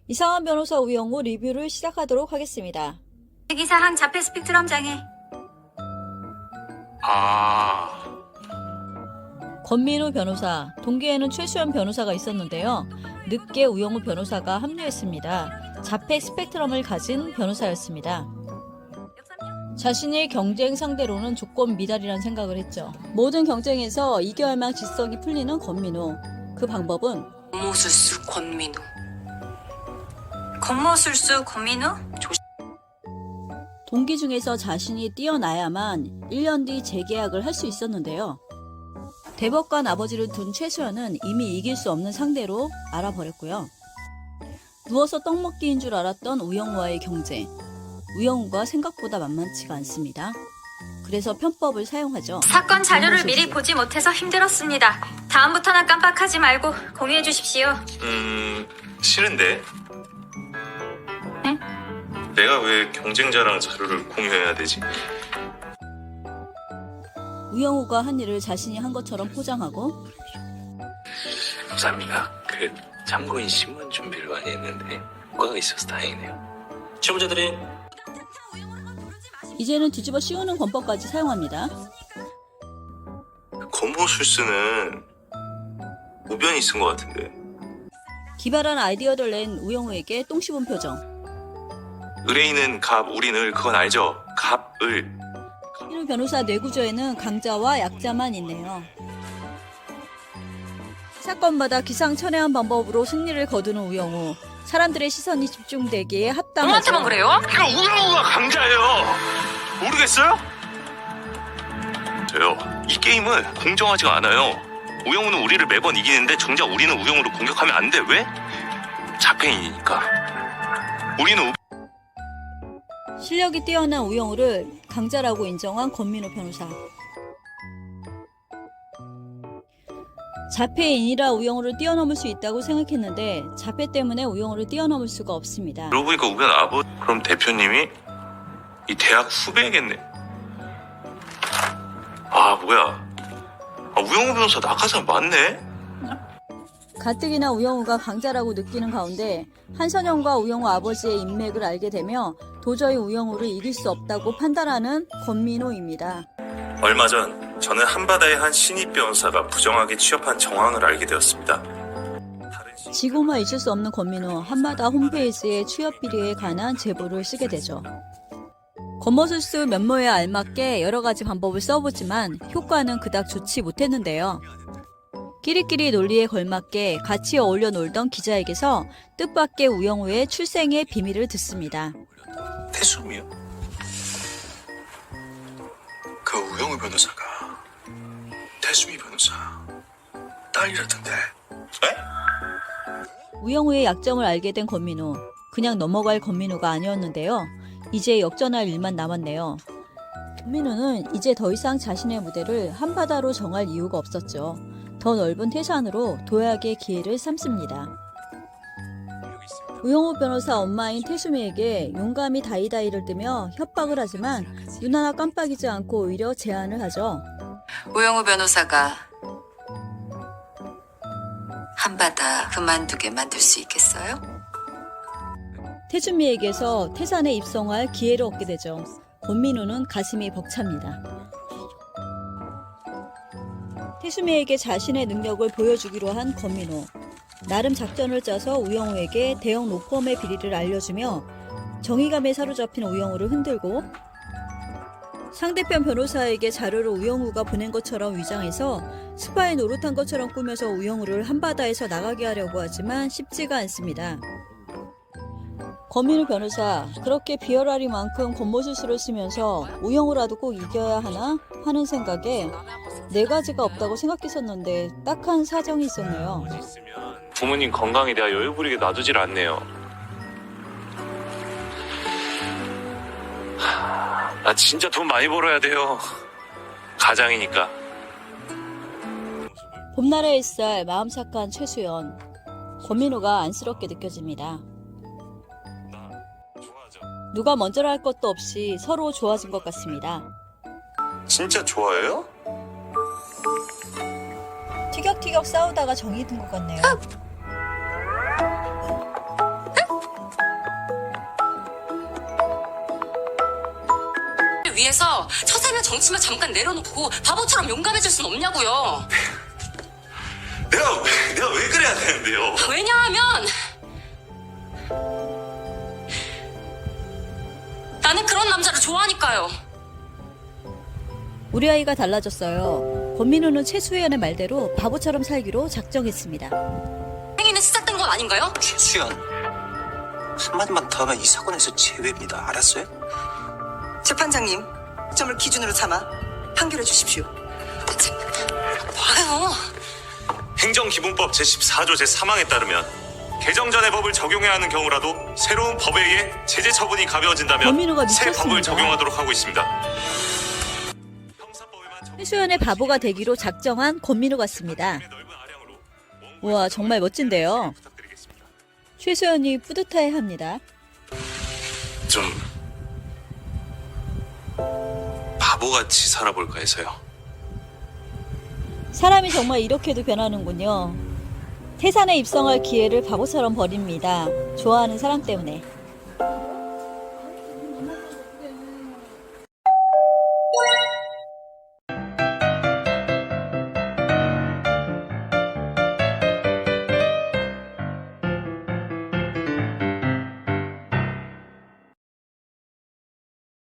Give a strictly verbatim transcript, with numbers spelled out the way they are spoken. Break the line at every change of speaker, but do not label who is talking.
이상한 변호사 우영우 리뷰를 시작하도록 하겠습니다.
특이사항 자폐 스펙트럼 장애.
아,
권민우 변호사, 동기에는 최수연 변호사가 있었는데요. 늦게 우영우 변호사가 합류했습니다. 자폐 스펙트럼을 가진 변호사였습니다. 자신이 경쟁 상대로는 조건 미달이란 생각을 했죠. 모든 경쟁에서 이겨야만 질서가 풀리는 권민우. 그 방법은
권모술수 권민우. 권모술수 권민우?
동기 중에서 자신이 뛰어나야만 일 년 뒤 재계약을 할 수 있었는데요. 대법관 아버지를 둔 최수연은 이미 이길 수 없는 상대로 알아버렸고요. 누워서 떡 먹기인 줄 알았던 우영우와의 경쟁. 우영우가 생각보다 만만치가 않습니다. 그래서 편법을 사용하죠.
사건 자료를 미리 보지 못해서 힘들었습니다. 다음부터는 깜빡하지 말고 공유해 주십시오.
음, 싫은데?
응?
내가 왜 경쟁자랑 자료를 공유해야 되지?
우영우가 한 일을 자신이 한 것처럼 포장하고
감사합니다. 그 참고인 신문 준비를 많이 했는데 효과가 있어서 다행이네요.
채무자들이
이제는 뒤집어 씌우는 권법까지 사용합니다.
권모술수는 우변이 쓴 것 같은데.
기발한 아이디어를 낸 우영우에게 똥 씹은 표정.
의뢰인은 갑, 우린 을, 그건 알죠? 갑, 을.
일 변호사 뇌구조에는 강자와 약자만 있네요. 사건마다 기상천외한 방법으로 승리를 거두는 우영우. 사람들의 시선이 집중되기에 합당하죠.
누구한테만 그래요?
이거 우영우가 강자예요! 모르겠어요? 저요, 이 게임은 공정하지가 않아요. 우영우는 우리를 매번 이기는데 정작 우리는 우영우를 공격하면 안 돼. 왜? 자폐인이니까. 우리는 우...
실력이 뛰어난 우영우를 강자라고 인정한 권민우 변호사. 자폐인이라 우영우를 뛰어넘을 수 있다고 생각했는데 자폐 때문에 우영우를 뛰어넘을 수가 없습니다.
그러고 보니까 우변 아버 그럼 대표님이 이 대학 후배겠네. 아 뭐야, 아, 우영우 변호사 낙하산 맞네.
가뜩이나 우영우가 강자라고 느끼는 가운데 한선영과 우영우 아버지의 인맥을 알게 되며 도저히 우영우를 이길 수 없다고 판단하는 권민우입니다.
얼마 전 저는 한바다의 한 신입 변호사가 부정하게 취업한 정황을 알게 되었습니다. 다른 신...
지고만 잊을 수 없는 권민우. 한마다 홈페이지에 취업 비리에 관한 제보를 쓰게 되죠. 권모술수 면모에 알맞게 여러 가지 방법을 써보지만 효과는 그닥 좋지 못했는데요. 끼리끼리 논리에 걸맞게 같이 어울려 놀던 기자에게서 뜻밖의 우영우의 출생의 비밀을 듣습니다.
태수미요? 그 우영우 변호사가 태수미 변호사 딸이라던데. 에?
우영우의 약점을 알게 된 권민우. 그냥 넘어갈 권민우가 아니었는데요. 이제 역전할 일만 남았네요. 권민우는 이제 더 이상 자신의 무대를 한바다로 정할 이유가 없었죠. 더 넓은 태산으로 도약의 기회를 삼습니다. 우영우 변호사 엄마인 태수미에게 용감히 다이다이를 뜨며 협박을 하지만 눈 하나 깜빡이지 않고 오히려 제안을 하죠.
우영우 변호사가 한바다 그만두게 만들 수 있겠어요?
태수미에게서 태산에 입성할 기회를 얻게 되죠. 권민우는 가슴이 벅찹니다. 태수미에게 자신의 능력을 보여주기로 한 권민우. 나름 작전을 짜서 우영우에게 대형 로펌의 비리를 알려주며 정의감에 사로잡힌 우영우를 흔들고 상대편 변호사에게 자료를 우영우가 보낸 것처럼 위장해서 스파이 노릇한 것처럼 꾸며서 우영우를 한바다에서 나가게 하려고 하지만 쉽지가 않습니다. 권민우 변호사, 그렇게 비열하리만큼 권모술수를 쓰면서 우영우라도 꼭 이겨야 하나 하는 생각에 네 가지가 없다고 생각했었는데 딱한 사정이 있었네요.
부모님 건강에 대하 여유 부리게 놔두질 않네요. 하, 나 진짜 돈 많이 벌어야 돼요. 가장이니까.
봄날의 햇살, 마음 착한 최수연. 권민우가 안쓰럽게 느껴집니다. 누가 먼저라 할 것도 없이 서로 좋아진 것 같습니다.
진짜 좋아해요?
티격티격 싸우다가 정이 든 것 같네요.
위해서 처세면 정치만 잠깐 내려놓고 바보처럼 용감해질 순 없냐고요.
내가 내가 왜 그래야 되는데요?
왜냐하면 나는 그런 남자를 좋아하니까요.
우리 아이가 달라졌어요. 권민호는 최수연의 말대로 바보처럼 살기로 작정했습니다.
행위는 시작된 건 아닌가요?
최수연, 한마디만 더 하면 이 사건에서 제외입니다. 알았어요?
재판장님, 점을 기준으로 삼아 판결해 주십시오.
봐요.
행정기본법 제십사 조 제삼 항에 따르면 개정 전의 법을 적용해야 하는 경우라도 새로운 법에 의해 제재 처분이 가벼워진다면
권민호가
새
미쳤습니다.
법을 적용하도록 하고 있습니다.
최수연의 바보가 되기로 작정한 권민호 같습니다. 우와, 정말 멋진데요. 최수연이 뿌듯해합니다.
좀 바보같이 살아볼까 해서요.
사람이 정말 이렇게도 변하는군요. 태산에 입성할 기회를 바보처럼 버립니다. 좋아하는 사람 때문에.